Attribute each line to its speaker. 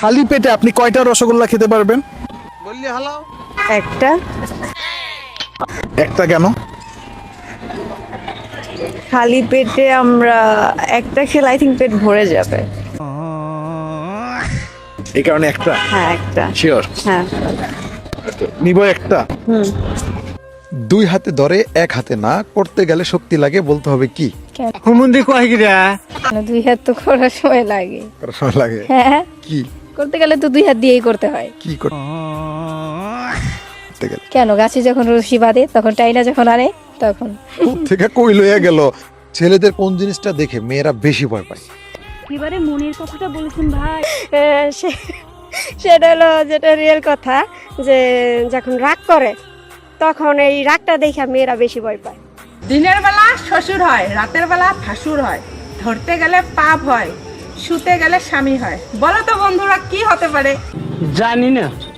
Speaker 1: খালি পেটে আপনি কয়টা রসগোল্লা খেতে পারবেন?
Speaker 2: বললি হালাও।
Speaker 3: একটা।
Speaker 1: একটা কেন?
Speaker 3: খালি পেটে আমরা একটা খেলে আই থিঙ্ক পেট ভরে যাবে।
Speaker 1: এই কারণে একটা।
Speaker 3: হ্যাঁ একটা।
Speaker 1: শিওর?
Speaker 3: হ্যাঁ।
Speaker 1: নিব একটা।
Speaker 4: দুই হাতে ধরে এক হাতে না, করতে গেলে শক্তি লাগে, বলতে হবে কি?
Speaker 2: হুমুন্দি কয় গিরা?
Speaker 5: দুই হাত তো করার সময় লাগে।
Speaker 4: করার সময় লাগে
Speaker 5: হ্যাঁ,
Speaker 4: কি?
Speaker 5: করতে গেলে তো দুই হাত দিয়েই করতে হয়।
Speaker 4: কি করতে গেলে?
Speaker 5: কেন, গাছে যখন রশি বাঁধে তখন টাইনা যখন আনে তখন।
Speaker 4: থেকে কই লইয়া গেল? ছেলেদের কোন জিনিসটা দেখে মেয়েরা বেশি ভয় পায়?
Speaker 6: এবারে মনের কথাটা বলেছেন ভাই।
Speaker 7: সেটা হলো যেটা রিয়েল কথা, যে যখন রাগ করে তখন এই রাগটা দেখে মেয়েরা বেশি ভয় পায়।
Speaker 8: দিনের বেলা শ্বশুর হয়, রাতের বেলা ভাসুর হয়, ধরতে গেলে পাপ হয়, শুতে গেলে স্বামী হয়। বলো তো বন্ধুরা কি হতে পারে?
Speaker 2: জানি না।